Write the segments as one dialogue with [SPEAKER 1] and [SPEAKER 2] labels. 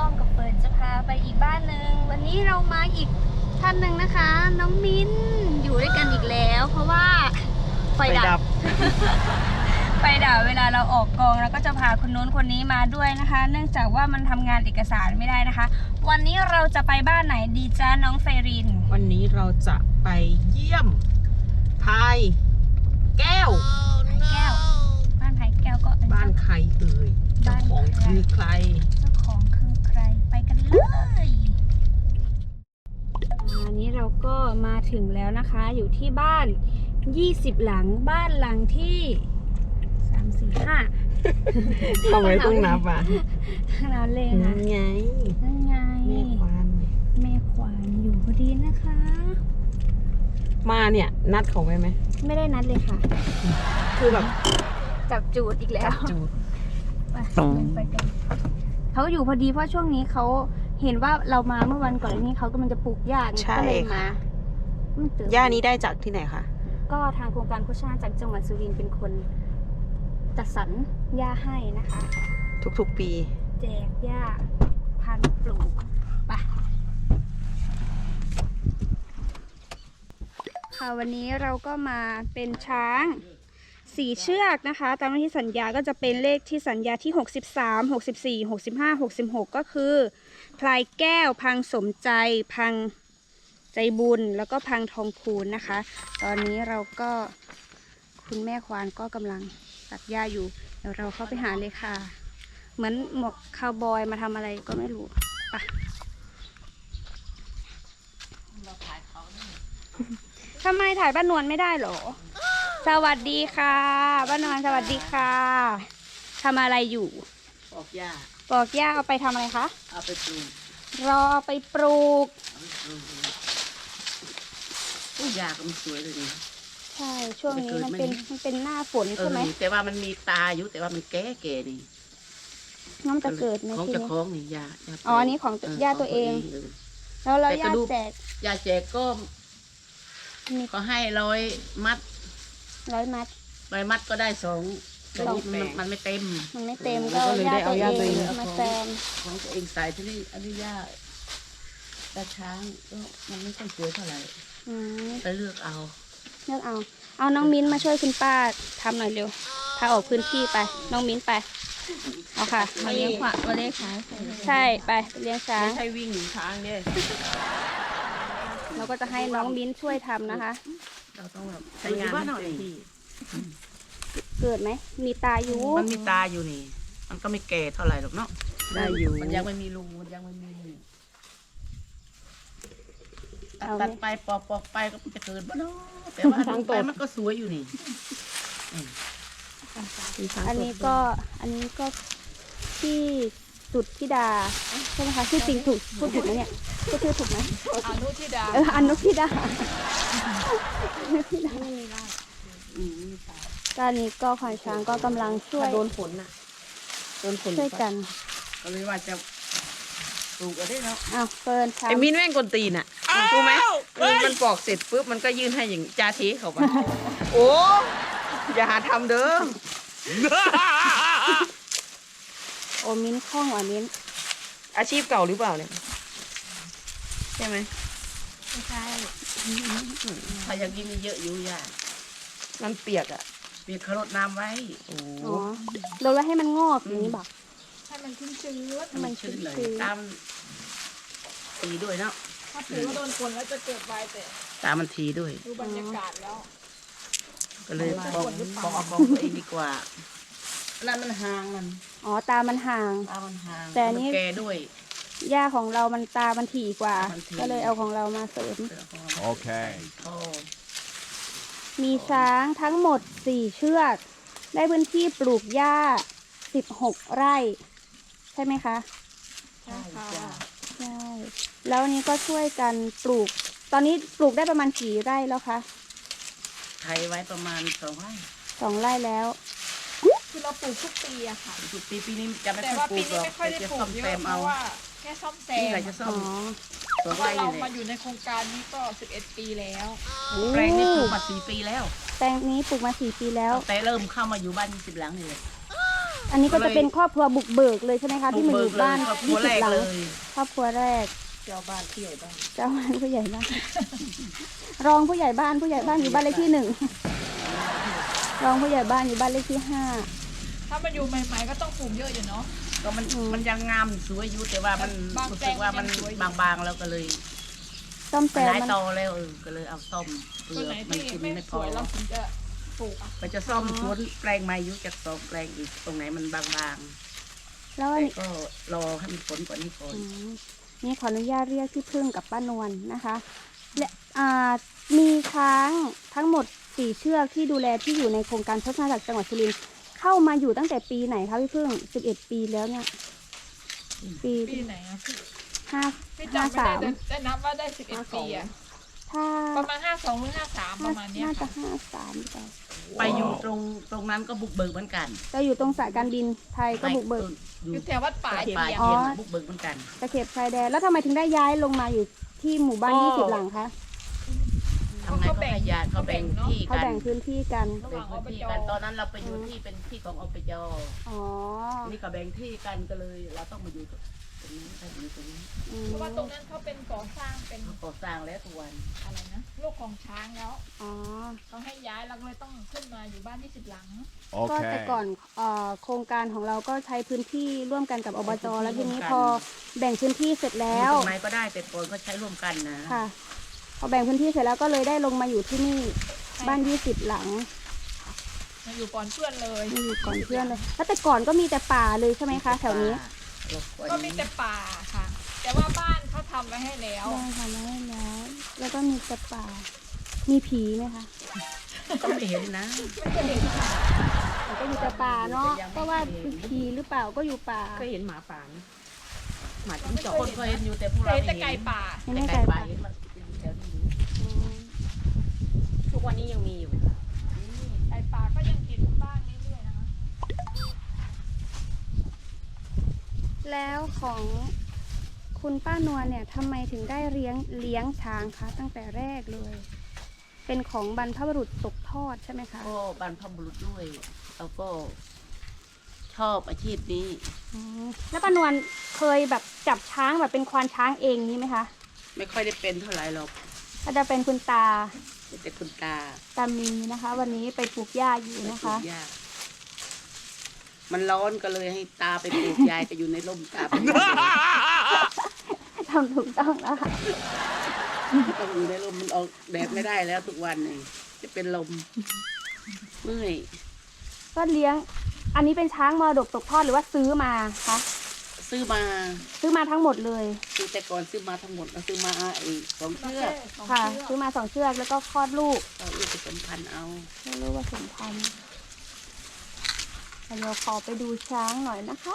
[SPEAKER 1] อมกับเฟิร์นจะพาไปอีกบ้านหนึ่งวันนี้เรามาอีกท่านหนึ่งนะคะน้องมิ้นอยู่ด้วยกันอีกแล้วเพราะว่าไฟดับ ไฟดับเวลาเราออกกองแล้วก็จะพาคนนู้นคนนี้มาด้วยนะคะ เนื่องจากว่ามันทำงานเอกสารไม่ได้นะคะวันนี้เราจะไปบ้านไหนดีจ้าน้องเฟริน
[SPEAKER 2] วันนี้เราจะไปเยี่ยมพายแก้ว
[SPEAKER 1] แก้วบ้านไผ่แก้วก็
[SPEAKER 2] บ้านใครเอ่ยเจ้าของคือใคร
[SPEAKER 1] เจ้าของคือใครไปกันเลยวันนี้เราก็มาถึงแล้วนะคะอยู่ที่บ้าน20หลังบ้านหลังที่3 4 5
[SPEAKER 2] ทำไมต้องนับอ่ะ
[SPEAKER 1] นับเลยนะ
[SPEAKER 2] นั่นไง
[SPEAKER 1] นั่นไง
[SPEAKER 2] แม่ควาน
[SPEAKER 1] อยู่พอดีนะคะ
[SPEAKER 2] มาเนี่ยนัดเขาไว้ไหม
[SPEAKER 1] ไม่ได้นัดเลยค่ะ
[SPEAKER 2] คือแบบ
[SPEAKER 1] จับจูดอีกแล้ว
[SPEAKER 2] จูด
[SPEAKER 1] ไปกันเขาอยู่พอดีเพราะช่วงนี้เขาเห็นว่าเรามาเมื่อวันก่อนนี้เขากำลังจะปลูกหญ้าก็เลยมา
[SPEAKER 2] หญ้านี้ได้จากที่ไหนคะ
[SPEAKER 1] ก็ทางโครงการโฆษณาจากจังหวัดสุรินทร์เป็นคนจัดสรรหญ้าให้นะคะ
[SPEAKER 2] ทุกๆปี
[SPEAKER 1] แจกหญ้าพันปลูกไปค่ะวันนี้เราก็มาเป็นช้าง4เชือกนะคะตามที่สัญญาก็จะเป็นเลขที่สัญญาที่63 64 65 66ก็คือพลายแก้วพังสมใจพังใจบุญแล้วก็พังทองคูณนะคะตอนนี้เราก็คุณแม่ควานก็กำลังตัดหญ้าอยู่เดี๋ยวเราเข้าไปหาเลยค่ะเหมือนหมวกคาวบอยมาทำอะไรก็ไม่รู้ไปทำไมถ่ายบ้านนวลไม่ได้หรอสวัสดีค่ะบ้านนวลสวัสดีค่ะทำอะไรอยู่
[SPEAKER 2] ปอกหญ้า
[SPEAKER 1] เอาไปทำอะไรคะ
[SPEAKER 2] เอาไปปลูก
[SPEAKER 1] รอไปปลูก
[SPEAKER 2] หญ้าก็มันสวยเลยนี่
[SPEAKER 1] ใช่ช่วงนี้มันเป็นหน้าฝนใช่ไหม
[SPEAKER 2] แต่ว่ามันมีตาอยู่แต่ว่ามันแก่นี่
[SPEAKER 1] น้องจะเกิดไหม
[SPEAKER 2] ของจะคล้องนี่หญ้า
[SPEAKER 1] อ๋ออันนี้ของหญ้าตัวเองแล้วเราหญ้าแจก
[SPEAKER 2] ก็เขาให้100 มัดก็ได้2มันไม่เต็ม
[SPEAKER 1] ก็หญ้าตัวเองมาแซม
[SPEAKER 2] ของตัวเองใส่ที่นี่อันนี้หญ้าช้างก็มันไม่ค่อยสวยเท่าไหร่ไปเลือกเอา
[SPEAKER 1] น้องมิ้นมาช่วยคุณป้าทำหน่อยเร็วพาออกพื้นที่ไปน้องมิ้นไปเอาค่ะมาเลี้ยงช้างใช่ไปเลี้ยงช้าง
[SPEAKER 2] ให้วิ่งช้างเนี่ย
[SPEAKER 1] เราก็จะให้น้องมิ้นช่วยทำนะคะ
[SPEAKER 2] เราต้องแบบใช้งานหน่อย
[SPEAKER 1] เกิดไหมมีตาอยู่
[SPEAKER 2] มันมีตาอยู่นี่มันก็ไม่แก่เท่าไหร่หรอกเนาะได้อยู่มันยังไม่มีรูมันยังไม่มีตัดไปปอกไปก็จะเกิดบ้าเนาะแต่ว่าทางไปมันก็สวยอยู่นี่
[SPEAKER 1] อันนี้ก็ที่สุดธิดาใช่ไหมคะชื่อจริงถูกพูดถูกไหมเนี่ยพูดชื่อถูกไหม
[SPEAKER 2] อนุธิดา
[SPEAKER 1] อนุธิดาตอนนี้ก็ควานช้างก็กำลังช่วย
[SPEAKER 2] โดนฝน
[SPEAKER 1] ช่วยกัน
[SPEAKER 2] ก็เลยว่าจะปลูกอะไรเนาะ
[SPEAKER 1] เฟิร์นช้าง
[SPEAKER 2] ไอ้มิ้นแม่งกลตีนอ่ะรู้ไหมมันปอกเสร็จปุ๊บมันก็ยื่นให้อย่างจาเทเขาไปโอ้อย่าหาทำเด้อ
[SPEAKER 1] โอ้มิ้นคล่องว่ะมิ้น
[SPEAKER 2] อาชีพเก่าหรือเปล่าเนี่ยใช่ไหม
[SPEAKER 1] ไม่ใช่
[SPEAKER 2] ถ้าอย่างนี้มีเยอะอยู่ย่ามันเปียกเขารดน้ำไว้
[SPEAKER 1] เราแล้วให้มันงอกอย่างนี้บอก
[SPEAKER 2] ให้มันชื้นเลยตามทีด้วยเนาะ
[SPEAKER 3] ถ้าถือว่าโดนคนแล้วจะเกิดไวแต่
[SPEAKER 2] ตามมันทีด้วย
[SPEAKER 3] ดูบรรยากาศแล้ว
[SPEAKER 2] ก็เลยบอกตัวเองดีกว่านั่นมันห่างมัน
[SPEAKER 1] ตามันห่างแต่นี้
[SPEAKER 2] แกด้วย
[SPEAKER 1] หญ้าของเรามันตามันถี่กว่าก็เลยเอาของเรามาเสริม
[SPEAKER 4] โอเค
[SPEAKER 1] มีช้างทั้งหมด4เชือกได้พื้นที่ปลูกหญ้า16 ไร่ใช่ไหมคะ
[SPEAKER 3] ใช่ค่ะ
[SPEAKER 1] ใช่แล้วนี้ก็ช่วยกันปลูกตอนนี้ปลูกได้ประมาณกี่ไร่แล้วคะ
[SPEAKER 2] ไถไว้ประมาณ2 ไร่
[SPEAKER 1] 2 ไร่แล้ว
[SPEAKER 3] คือเราปลูกทุกปีอะค่ะ
[SPEAKER 2] ทุกปีนี้จะไม่ค่อยปลูกหรอกจะซ่อมแซมเอา
[SPEAKER 3] แค่ซ่อมแซม
[SPEAKER 2] นี่แหละจะซ่อม
[SPEAKER 3] เพราะว่าเรามาอยู่ในโครงการนี้ก็11 ปีแล้ว
[SPEAKER 2] แปลงนี้ปลูกมา4 ปีแล้ว
[SPEAKER 1] แปลงนี้ปลูกมา4 ปีแล้ว
[SPEAKER 2] แต่เริ่มเข้ามาอยู่บ้าน20 หลังนี่เลย
[SPEAKER 1] ออันนี้ก็จะเป็นครอบครัวบุกเบิกเลยใช่ไหมคะที่มาอยู่บ้าน
[SPEAKER 2] ครอบครัวแรก
[SPEAKER 1] 20 หลัง
[SPEAKER 2] เลย
[SPEAKER 1] ครอบครัวแรก
[SPEAKER 2] เจ้าบ้านที่ใหญ่บ้าน
[SPEAKER 1] เจ้าบ้านผู้ใหญ่บ้าน รองผู้ใหญ่บ้านอยู่บ้านเลขที่ 1 รองผู้ใหญ่บ้านอยู่บ้านเลขที่
[SPEAKER 3] ถ้ามันอยู่ใหม่ๆก็ต้องปลูกเยอะอยู่เนาะ
[SPEAKER 2] ก็มันยังงามสวยอยู่แต่ว่ามัน
[SPEAKER 3] บาง
[SPEAKER 2] รู้
[SPEAKER 3] แปล
[SPEAKER 2] สึ
[SPEAKER 3] ง
[SPEAKER 2] กว่ามัน
[SPEAKER 3] ยังสวยอยู่
[SPEAKER 2] บางๆแล้วก็เลย
[SPEAKER 1] 5ซ่อมแซ
[SPEAKER 2] มัน
[SPEAKER 1] ม
[SPEAKER 2] ได้
[SPEAKER 1] มัน
[SPEAKER 2] โตแล้วก็เลยเอาซ่อมเปลื
[SPEAKER 3] ตัว
[SPEAKER 2] อ
[SPEAKER 3] ไหน
[SPEAKER 2] กมัน
[SPEAKER 3] ที่
[SPEAKER 2] กิน
[SPEAKER 3] ไม่
[SPEAKER 2] ไม่
[SPEAKER 3] ส
[SPEAKER 2] พอ
[SPEAKER 3] วยเราถึงจะปลูกอ่ะ
[SPEAKER 2] ก็จะซ่อมสวนแปลงใหม่อยู่จากสองแปลงอีกตรงไหนมันบาง
[SPEAKER 1] แล้ว
[SPEAKER 2] ๆ
[SPEAKER 1] อัน
[SPEAKER 2] แต่
[SPEAKER 1] นี้
[SPEAKER 2] ก็รอให้มันฝนกว่านี้ก่อน
[SPEAKER 1] อืมนี่ขออนุญาตเรียกพี่พึ่งกับป้านวลนะคะและมีช้างทั้งหมด4 เชือกที่ดูแลที่อยู่ในโครงการพัฒนาจากจังหวัดสุรินทร์เข้ามาอยู่ตั้งแต่ปีไหนคะพี่พึ่ง11 ปีแล้วเนี่ยปี
[SPEAKER 3] ปีไหนอ่ะ
[SPEAKER 1] ห้า
[SPEAKER 3] พี่จำไม่ได้แต่ได้นับว่าได้11 ปีอ่ะ
[SPEAKER 1] ถ้า
[SPEAKER 3] ประมาณ52หรือ53ประมาณเนี้ย
[SPEAKER 1] น่าจะ
[SPEAKER 3] ค่ะ
[SPEAKER 1] 53หรือเปล่า
[SPEAKER 2] ไปอยู่ตรงนั้นก็บุกเบิกเหมือนกัน
[SPEAKER 1] เราอยู่ตรงสายการบินไทยก็บุกเบิก
[SPEAKER 2] อยู่
[SPEAKER 3] อยู่แถววัดป่า
[SPEAKER 2] ป่า
[SPEAKER 3] เยี
[SPEAKER 2] ป่าย
[SPEAKER 3] ม
[SPEAKER 1] อ๋อ
[SPEAKER 2] เย็นบุกเบิกเหมือนกัน
[SPEAKER 1] ตะเข็บชายแดนแล้วทำไมถึงได้ย้ายลงมาอยู่ที่หมู่บ้าน
[SPEAKER 2] ก็
[SPEAKER 1] 20 หลังคะ
[SPEAKER 2] ทำไงก็ให้ญาติเขาแบ่งที่
[SPEAKER 1] เขา
[SPEAKER 2] กัน
[SPEAKER 1] แบ่งพื้นที่กัน
[SPEAKER 3] ระห
[SPEAKER 2] แบ่
[SPEAKER 3] ว่าง ง
[SPEAKER 2] พื้น
[SPEAKER 3] อบ
[SPEAKER 2] ที่
[SPEAKER 3] จ
[SPEAKER 2] กันตอนนั้นเราไปอยู่ที่เป็นที่ของอบจ
[SPEAKER 1] อ๋อ
[SPEAKER 2] นี่ก็แบ่งที่กันก็เลยเราต้องมาอยู่ตรงนี้ไปอยู่ตรงนี้
[SPEAKER 1] อืม
[SPEAKER 3] เพราะว่าตรงนั้นเขาเป็นก่อสร้างเป็น
[SPEAKER 2] เขาก่อสร้างแล้วทุกวัน
[SPEAKER 3] อะไรนะลูกของช้างแล้ว
[SPEAKER 1] อ๋อ
[SPEAKER 3] เขาให้ย้ายเราก็เลยต้องขึ้นมาอยู่บ้าน20 หลัง
[SPEAKER 1] ก็แต่ก่อนโครงการของเราก็ใช้พื้นที่ร่วมกันกับอบจแล้วทีนี้พอแบ่งพื้นที่เสร็จแล้ว
[SPEAKER 2] อยู่ตรงไหนก็ได้แต่ก่อนก็ใช้ร่วมกันนะ
[SPEAKER 1] ค่ะพอแบ่งพื้นที่เสร็จแล้วก็เลยได้ลงมาอยู่ที่นี่บ้าน20 หลัง
[SPEAKER 3] มาอยู่ก่อนเพื่อนเลย
[SPEAKER 1] มาอยู่ก่อนเพื่อนเลยแล้วแต่ก่อนก็มีแต่ป่าเลยใช่ไหมคะแถวนี้
[SPEAKER 3] ก็มีแต่ป่าค่ะ แต่ว่าบ้านเขาทำไว้ให้แล้ว
[SPEAKER 1] ได้ค่ะได้แล้ว แล้วก็มีแต่ป่า มีผีไหมคะ
[SPEAKER 2] ก็ไม่เห็นนะ
[SPEAKER 1] แต่ก็อยู่แต่ป่าเนาะเพราะว่าผีหรือเปล่าก็อยู่ป่า
[SPEAKER 2] ก็เห็นหมาป่านะหมาจิ้งจอกคนเคยเห็นอยู่แต่พวก
[SPEAKER 3] เค
[SPEAKER 2] เรา
[SPEAKER 3] ย
[SPEAKER 2] ไม่
[SPEAKER 3] แต่
[SPEAKER 2] เห็น
[SPEAKER 3] ไก่ป่า
[SPEAKER 2] แต่ไก่ป่าเห็นมันอยู่แถวนี้ทุกวันนี้ยังมีอยู่ไหมคะ
[SPEAKER 3] ไก่ป่าก็ยังเห็นบ้างเรื่อยๆนะคะ
[SPEAKER 1] แล้วของคุณป้านวลเนี่ยทำไมถึงได้เลี้ยงช้างคะตั้งแต่แรกเลย เป็นของบรรพบุรุษตกทอดใช่ไหมคะ
[SPEAKER 2] ก็บรรพบุรุษด้วยแล้วก็ชอบอาชีพนี้
[SPEAKER 1] อืมแล้วป้านวลเคยแบบจับช้างแบบเป็นควานช้างเองนี้ไหมคะ
[SPEAKER 2] ไม่ค่อยได้เป็นเท่าไหร่หรอก
[SPEAKER 1] ก็จะเป็นคุณตา
[SPEAKER 2] แต่คุณตา
[SPEAKER 1] ตามีนะคะ วันนี้ไปปลูกหญ้าอยู่นะคะ
[SPEAKER 2] ปลูกหญ้ามันร้อนก็เลยให้ตาไปปลูกยายก็อยู่ในร่มตาไป
[SPEAKER 1] ทำถูกต้องแล้วค่ะ
[SPEAKER 2] ต้องอยู่ในร่มมันออกแดดไม่ได้แล้วทุกวันนี่จะเป็นลมเมื่อย
[SPEAKER 1] ก็เลี้ยง อันนี้เป็นช้างมรดกตกทอดหรือว่าซื้อมาคะ
[SPEAKER 2] ซื้อมา
[SPEAKER 1] ซื้อมาทั้งหมดเลย
[SPEAKER 2] ซื้อแต่ก่อนซื้อมาทั้งหมดเราซื้อมาอีก2 เชือก
[SPEAKER 1] ค่ะ ซื้อมา2 เชือกแล้วก็คลอดลูก
[SPEAKER 2] เราลูกผสมพันธุ์เอา
[SPEAKER 1] ไม่รู้ว่าสมพันธุ์เดี๋ยวขอไปดูช้างหน่อยนะคะ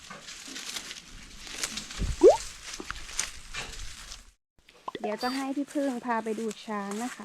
[SPEAKER 1] เดี๋ยวจะให้พี่พึ่งพาไปดูช้างนะคะ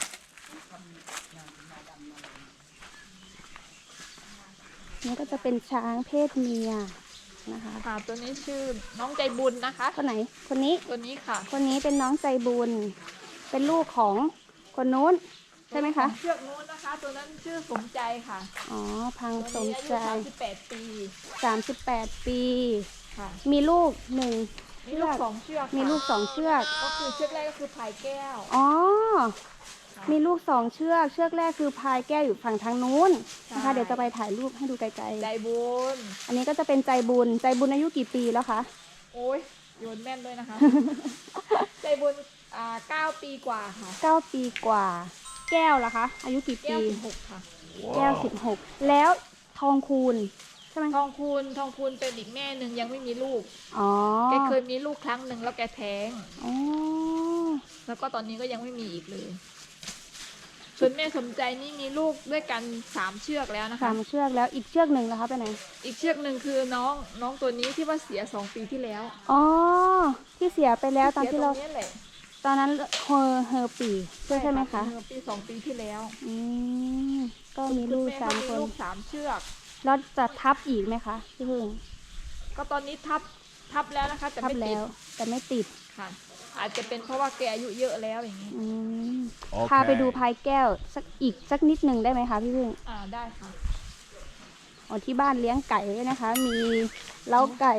[SPEAKER 1] นี่ก็จะเป็นช้างเพศเมียนะคะ
[SPEAKER 3] ค่ะตัวนี้ชื่อน้องใจบุญนะคะ
[SPEAKER 1] คนไหน คนนี้
[SPEAKER 3] ตัวนี้ค่ะ
[SPEAKER 1] คนนี้เป็นน้องใจบุญ เป็นลูกของคนนู้นใช่ไหมคะ
[SPEAKER 3] เชือกนู้นนะคะ ตัวนั้นชื่อสมใจค่ะ
[SPEAKER 1] อ๋อ พัง
[SPEAKER 3] ตัว
[SPEAKER 1] สม
[SPEAKER 3] นี้อายุ
[SPEAKER 1] ใจ
[SPEAKER 3] 38 ปี
[SPEAKER 1] 38 ปี
[SPEAKER 3] ค่ะ
[SPEAKER 1] มีลูกหนึ่ง
[SPEAKER 3] มีลูก2 เชือกค่ะ
[SPEAKER 1] มีลูก2 เชือก
[SPEAKER 3] ก็คือเชือกแรกก็คือพายแก้ว
[SPEAKER 1] อ๋อ มีลูก2 เชือก เชือกแรกคือพายแก้วอยู่ฝั่งทางนู้นนะคะ
[SPEAKER 3] ใช่
[SPEAKER 1] เดี๋ยวจะไปถ่ายรูปให้ดูไกล
[SPEAKER 3] ใจบุญ
[SPEAKER 1] ๆ อันนี้ก็จะเป็นใจบุญ ใจบุญอายุกี่ปีแล้วคะ
[SPEAKER 3] โอ้ยโยนแม่นด้วยนะคะ ใจบุญ9 ปีกว่าค่ะ
[SPEAKER 1] 9 ปีกว่า แก้วล่ะคะ อายุกี่
[SPEAKER 3] แก้
[SPEAKER 1] ปี
[SPEAKER 3] ว16ค่ะ
[SPEAKER 1] แก้ว16 แล้วทองคูณใช่ไหม
[SPEAKER 3] ทองคูณเป็นอีกแม่หนึ่งยังไม่มีลูก
[SPEAKER 1] อ๋อ
[SPEAKER 3] แกเคยมีลูกครั้งหนึ่งแล้วแกแท้ง
[SPEAKER 1] อ๋อ
[SPEAKER 3] แล้วก็ตอนนี้ก็ยังไม่มีอีกเลย ส่วนแม่สมใจนี่มีลูกด้วยกัน3 เชือกแล้วนะคะ
[SPEAKER 1] 3 เชือกแล้วอีกเชือกหนึ่งนะคะไปไหน
[SPEAKER 3] อีกเชือกหนึ่งคือน้องตัวนี้ที่ว่าเสีย2 ปีที่แล้ว
[SPEAKER 1] อ๋อ ที่เสียไปแล้วตอนที่เรา
[SPEAKER 3] สียตงนี้แหละ
[SPEAKER 1] ตอนนั้นเฮอปีใช่ไหมคะ
[SPEAKER 3] เมื่อปี2 ปีที่แล้ว
[SPEAKER 1] อืมก็มีลูก
[SPEAKER 3] คุณแม่
[SPEAKER 1] 3
[SPEAKER 3] มี
[SPEAKER 1] คน
[SPEAKER 3] ลูก3 เชือก
[SPEAKER 1] แล้วจะทับอีกไหมคะพี่พึ่ง
[SPEAKER 3] ก็ตอนนี้ทับแล้วนะคะ แต่
[SPEAKER 1] ทับ
[SPEAKER 3] ไม่ติ
[SPEAKER 1] แล้
[SPEAKER 3] ด
[SPEAKER 1] ว แต่ไม่ติด
[SPEAKER 3] ค่ะ อาจจะเป็นเพราะว่าแกอายุเยอะแล้วอย่างนี้
[SPEAKER 1] อืม
[SPEAKER 4] โอเค
[SPEAKER 1] พาไปดูพายแก้วสักนิดหนึ่งได้ไหมคะพี่พึ่ง
[SPEAKER 3] ได้ค่ะ
[SPEAKER 1] อ๋อที่บ้านเลี้ยงไก่ด้วยนะคะ มีเล้าไก่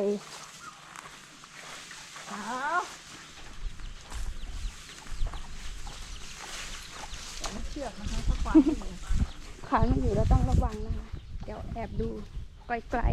[SPEAKER 3] เชือกนะคะถ้าควานไม่อยู่
[SPEAKER 1] ขวางอยู่เราต้องระวังนะคะ เดี๋ยวแอบดูไกล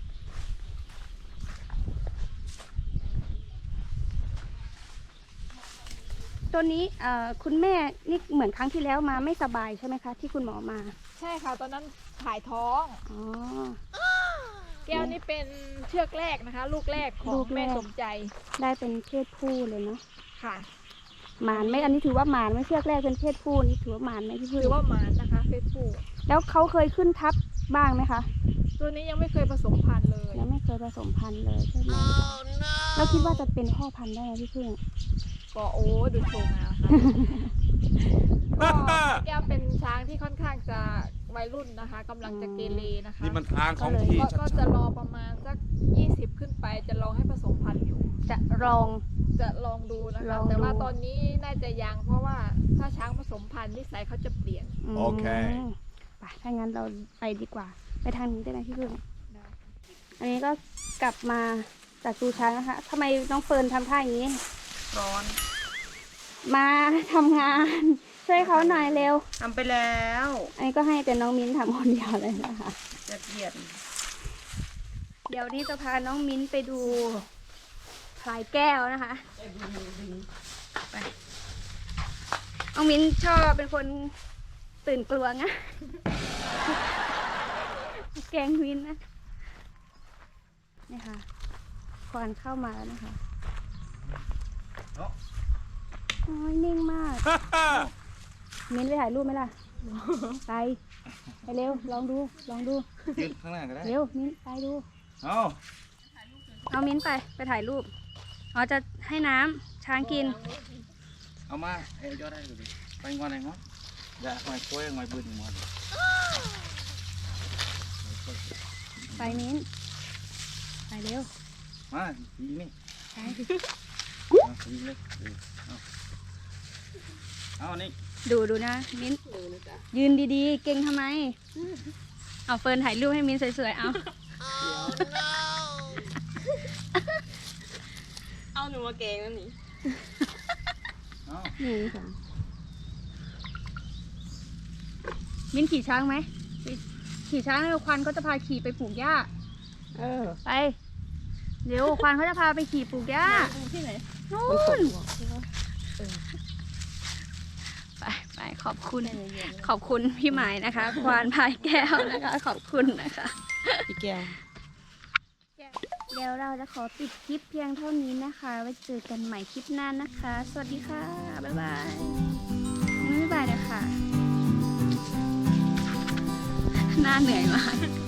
[SPEAKER 1] ๆตัวนี้คุณแม่นี่เหมือนครั้งที่แล้วมาไม่สบายใช่ไหมคะ ที่คุณหมอมา
[SPEAKER 3] ใช่ค่ะ ตอนนั้นถ่ายท้อง
[SPEAKER 1] อ๋อ
[SPEAKER 3] แก้วนี่เป็นเชือกแรกนะคะ ลูกแรกขอ
[SPEAKER 1] ลู
[SPEAKER 3] ง
[SPEAKER 1] กแร
[SPEAKER 3] แม่
[SPEAKER 1] ก
[SPEAKER 3] สมใจ
[SPEAKER 1] ได้เป็นเพศผู้เลยเนาะ
[SPEAKER 3] ค่ะ
[SPEAKER 1] หมานไหมอันนี้ถือว่าหมานไหม่เชือกแรกเป็นเพศผู้นี่ถือว่าหมานไหมพี่พึ่ง
[SPEAKER 3] ถือว่าหมานนะคะเพศผู้
[SPEAKER 1] แล้วเขาเคยขึ้นทับบ้างไหมคะ
[SPEAKER 3] ตัวนี้ยังไม่เคยผสมพันธุ์เลย
[SPEAKER 1] ยังไม่เคยผสมพันธุ์เลยใช่ไหมแล้วคิดว่าจะเป็นพ่อพันธุ์ได้ไหมพี่พึ่ง
[SPEAKER 3] ก็โอ้ดูโชว์งาค่ะ ก็แก้วเป็นช้างที่ค่อนข้างจะวัยรุ่นนะคะกำลังจะเกเรนะคะ
[SPEAKER 4] นี่มันทางของที่
[SPEAKER 3] ก็จะรอประมาณสัก 20 ขึ้นไปจะลองให้ผสมพันธุ์อยู่
[SPEAKER 1] จะลอง
[SPEAKER 3] จะลองดูนะ
[SPEAKER 1] ล
[SPEAKER 3] คะ
[SPEAKER 1] องดู
[SPEAKER 3] แต่ว่าตอนนี้น่าจะยังเพราะว่าถ้าช้างผสมพันธุ์นิสัยเขาจะเปลี่ยน
[SPEAKER 4] โอเค
[SPEAKER 1] ไปถ้างั้นเราไปดีกว่า ไปทางนี้ได้ไหมพี่พึ่ง อันนี้ก็กลับมาจากดูช้างนะคะทำไมน้องเฟิร์นทำท่าอย่างนี้
[SPEAKER 2] ร้อน
[SPEAKER 1] มาทำงาน ช่วยเขาหน่อยเร็ว
[SPEAKER 2] ทำไปแล้ว
[SPEAKER 1] อันนี้ก็ให้เป็นน้องมิ้นทำคนเดียวเลยนะคะ
[SPEAKER 2] จะเกลียด
[SPEAKER 1] เดี๋ยวนี้จะพาน้องมิ้นไปดูพลายแก้วนะคะไปน้องมิ้นชอบเป็นคนตื่นกลัวนะแกล้งมิ้นนะนี่ค่ะควานเข้ามาแล้วนะคะโอ้ยนิ่งมาก มิ้นไปถ่ายรูปไหมล่ะ ไปเร็ว ลองดู
[SPEAKER 4] ยืนข้างหน้าก็ได้
[SPEAKER 1] เร็ว มิ้นไปดู
[SPEAKER 4] เอา
[SPEAKER 1] เอามิ้นไปถ่ายรูป อ๋อจะให้น้ำช้างกิน
[SPEAKER 4] เอามาเอ้ยยอดได้เลยไปงอนไหนงอนอย่าหอยกล้วยหอยบืนงอน
[SPEAKER 1] ไปมิ้น ไปเร็ว
[SPEAKER 4] มายิงนี่
[SPEAKER 1] ไป
[SPEAKER 4] เอายิงเลยเอานี่
[SPEAKER 1] ดูนะ มิ้น ยืนดีๆ เก่งทำไม เอาเฟิร์นถ่ายรูปให้มิ้นสวยๆ เอา
[SPEAKER 2] เอาหนูมาเกงแล้วนี่
[SPEAKER 4] เอา
[SPEAKER 1] นี่ค่ะมิ้นขี่ช้างไหม ขี่ช้างแล้วควันเขาจะพาขี่ไปปลูกหญ้า ไป เดี๋ยวควันเขาจะพาไปขี่ปลูกหญ้า
[SPEAKER 2] ที่ไหน
[SPEAKER 1] นู่นไปขอบคุณพี่หมายนะคะ ควานพายแก้วนะคะ ขอบคุณนะคะ
[SPEAKER 2] พี่แก้ว
[SPEAKER 1] เดี๋ยวเราจะขอปิดคลิปเพียงเท่านี้นะคะ ไว้เจอกันใหม่คลิปหน้านะคะ สวัสดีค่ะ บ๊ายบายบ๊ายบายนะคะหน้าเหนื่อยมาก